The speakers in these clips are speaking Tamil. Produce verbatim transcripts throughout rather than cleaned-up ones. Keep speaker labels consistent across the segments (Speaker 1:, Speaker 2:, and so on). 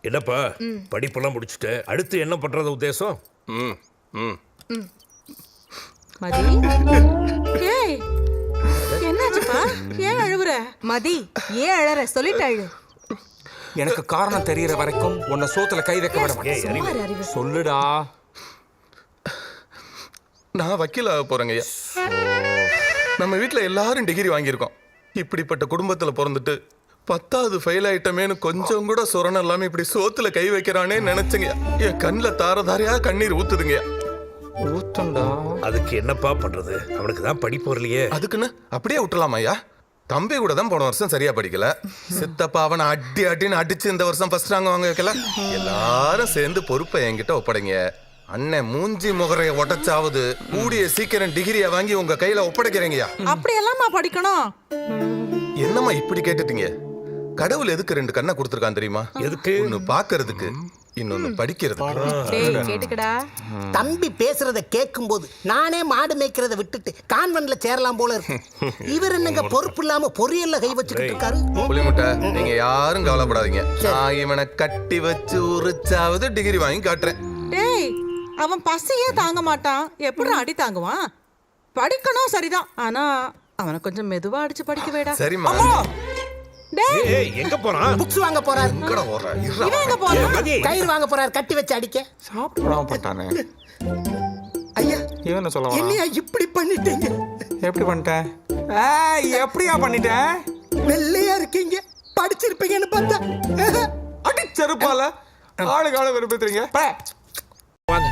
Speaker 1: என்னப்பா படிப்பெல்லாம் முடிச்சுட்டு அடுத்து என்ன பண்றது உத்தேசம்?
Speaker 2: ம் ம்
Speaker 3: மதி, ஏய் என்னாச்சுப்பா? ஏன் அழுவுற?
Speaker 4: மதி, ஏன் அழற? சொல்லிட்டு அழு.
Speaker 5: எனக்கு காரணம் தெரியற வரைக்கும் உன்னை சோத்துல கை வைக்க விட மாட்டேன். சொல்லுடா.
Speaker 2: நான் வக்கீல் ஆக போறேங்க ஐயா. நம்ம வீட்டில் எல்லாரும் டிகிரி வாங்கியிருக்கோம். இப்படிப்பட்ட குடும்பத்தில் பிறந்துட்டு பத்தாவது ஃபெயில் ஆயிட்டமேனு கொஞ்சம் கூட சொரணம் இல்லாம இப்படி சோத்துல கை வைக்கிறானே நினைச்சுங்க. என் கண்ணில் தார தாரையா கண்ணீர் ஊத்துதுங்க.
Speaker 5: ஊத்தண்டா.
Speaker 1: அதுக்கு என்னப்பா பண்றது? அவனுக்கு தான் படிப்பு வரலையே.
Speaker 2: அதுக்குன்னு அப்படியே விட்டுலாமா ஐயா? தம்பி கூட தான் போன வருஷம் சரியா படிக்கல. சித்தப்பா அவனை அடி அடின்னு அடிச்சு இந்த வருஷம் ஃபர்ஸ்ட் ரேங்க் வாங்க வைக்கல. எல்லாரும் சேர்ந்து பொறுப்பை என்கிட்ட ஒப்படைங்க. அண்ணன் மூஞ்சி முகரைய உடச்சாவது கூடிய சீக்கிரம் டிகிரியை வாங்கி உங்க கையில ஒப்படைக்கிறீங்கயா.
Speaker 3: அப்படி எல்லாமா படிக்கணும்?
Speaker 2: என்னம்மா இப்படி கேட்டுட்டீங்க? கடவுள் எதுக்கு ரெண்டு கண்ணை கொடுத்துருக்கான் தெரியுமா?
Speaker 1: எதுக்கு?
Speaker 2: ஒன்னு பாக்குறதுக்கு, இன்னொன்னு படிக்கிறதுக்கு.
Speaker 3: டேய் கேட்டுக்கடா.
Speaker 6: தம்பி பேசுறத கேட்கும் போது நானே மாடு மேய்க்கிறத விட்டுட்டு கான்வென்ட்ல சேரலாம் போல இருக்கு. இவர் என்னங்க பொறுப்பு இல்லாம பொரியல்ல கை வச்சுக்கிட்டு இருக்காரு.
Speaker 2: புலிமுட்டை, நீங்க யாரும் கவலைப்படாதீங்க. நான் இவனை கட்டி வச்சு உரிச்சாவது டிகிரி வாங்கி காட்டுறேன்.
Speaker 3: டேய் அவன் பசியே தாங்க மாட்டான், எப்படி அடி தாங்குவான்? படிக்கணும் சரிதான், ஆனா அவனை கொஞ்சம் மெதுவா அடிச்சு படிக்க வேடா.
Speaker 2: சரிம்மா.
Speaker 3: டேய்
Speaker 1: ஏய் எங்க போறான்?
Speaker 6: புக்ஸ் வாங்க போறாரு.
Speaker 2: இங்கட ஓடுற. இருடா.
Speaker 3: இவன் எங்க போறான்?
Speaker 6: கயிறு வாங்க போறாரு கட்டி வச்சு அடிக்க.
Speaker 5: சாப்பிட்டு விடாம பண்ணிட்டானே.
Speaker 6: ஐயா,
Speaker 5: இவன் என்ன சொல்ல வரான்?
Speaker 6: என்னையா இப்படி பண்ணிட்டீங்க?
Speaker 5: எப்படி பண்ணிட்டேன்? ஏய், எப்படியா பண்ணிட்டேன்?
Speaker 6: வெள்ளையா இருக்கீங்க, படிச்சிருப்பீங்கன்னு பார்த்தா.
Speaker 5: அடி செருப்பால ஆளு கால விரும்புறீங்க.
Speaker 1: வாங்க.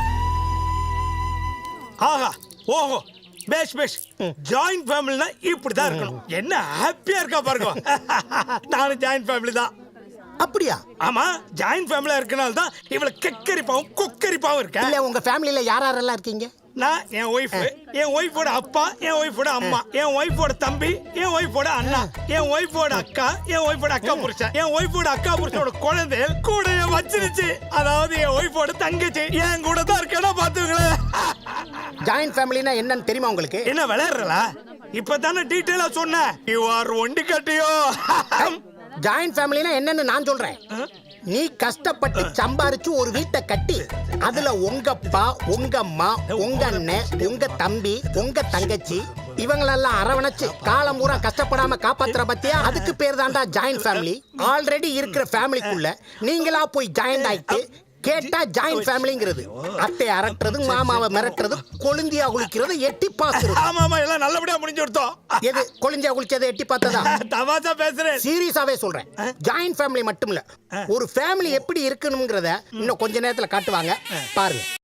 Speaker 7: ஆஹா ஓஹோ பேஷ் பேஷ். ஜாயிண்ட் ஃபேமிலினா இப்படி தான் இருக்கணும். என்ன ஹாப்பியா இருக்கா பாருங்க. நானும் ஜாயிண்ட் ஃபேமிலி தான்.
Speaker 6: அப்படியா?
Speaker 7: ஆமா, ஜாயிண்ட் ஃபேமிலியா இருக்கனால தான் இவ்வளவு கெக்கரிப்பாவும் கொக்கரிப்பாவும் இருக்கேன்.
Speaker 6: இல்ல உங்க ஃபேமிலில யார் யாரெல்லாம் இருக்கீங்க?
Speaker 7: நான், என் ஒய்ஃப், என் ஒய்ஃபோட அப்பா, என் ஒய்ஃபோட அம்மா, என் ஒய்ஃபோட தம்பி, என் ஒய்ஃபோட அண்ணா, என் ஒய்ஃபோட அக்கா, என் ஒய்ஃபோட அக்கா புருஷன், என் ஒய்ஃபோட அக்கா புருஷனோட குழந்தை கூட வச்சிருச்சு. அதாவது என் ஒய்ஃபோட தங்கச்சி என் கூட தான் இருக்கேன்னா பாத்துங்களேன்.
Speaker 6: ஜாயிண்ட் ஃபேமிலினா என்னன்னு தெரியுமா உங்களுக்கு?
Speaker 7: என்ன விளையாடுறா? இப்பதானே டீட்டெயிலா சொன்னேன். யூ ஆர் ஒண்டி கட்டியோ.
Speaker 6: ஜாயிண்ட் ஃபேமிலினா என்னன்னு நான் சொல்றேன். நீ கஷ்டப்பட்டு சம்பாரிச்சு ஒரு வீட்டை கட்டி அதுல உங்க அப்பா, உங்க அம்மா, உங்க அண்ணன், உங்க தம்பி, உங்க தங்கச்சி இவங்களெல்லாம் அரவணைச்சு காலம் பூரா கஷ்டப்படாம காப்பாத்துற பத்தியா? அதுக்கு பேர் தான்டா ஜாயிண்ட் ஃபேமிலி. ஆல்ரெடி இருக்கிற ஃபேமிலிக்குள்ள நீங்களா போய் ஜாயிண்ட் ஆயிட்டு கேட்டா ஜாயிண்ட் ஃபேமிலிங்கிறது. அத்தை அரட்டுறது, மாமாவை மிரட்டுறது, கொழுந்தியா குளிக்கிறது, எட்டி பாக்குறது.
Speaker 7: ஆமா ஆமா, எல்லாம் நல்லபடியா முடிஞ்சு கொடுத்தோம்.
Speaker 6: எது கொழுந்தியா குளிச்சது எட்டி பார்த்ததா?
Speaker 7: தமாஷா பேசுறேன்.
Speaker 6: சீரியஸாவே சொல்றேன். ஜாயிண்ட் ஃபேமிலி மட்டும் இல்ல, ஒரு ஃபேமிலி எப்படி இருக்கணும்ங்கறத இன்னும் கொஞ்ச நேரத்துல காட்டுவாங்க பாருங்க.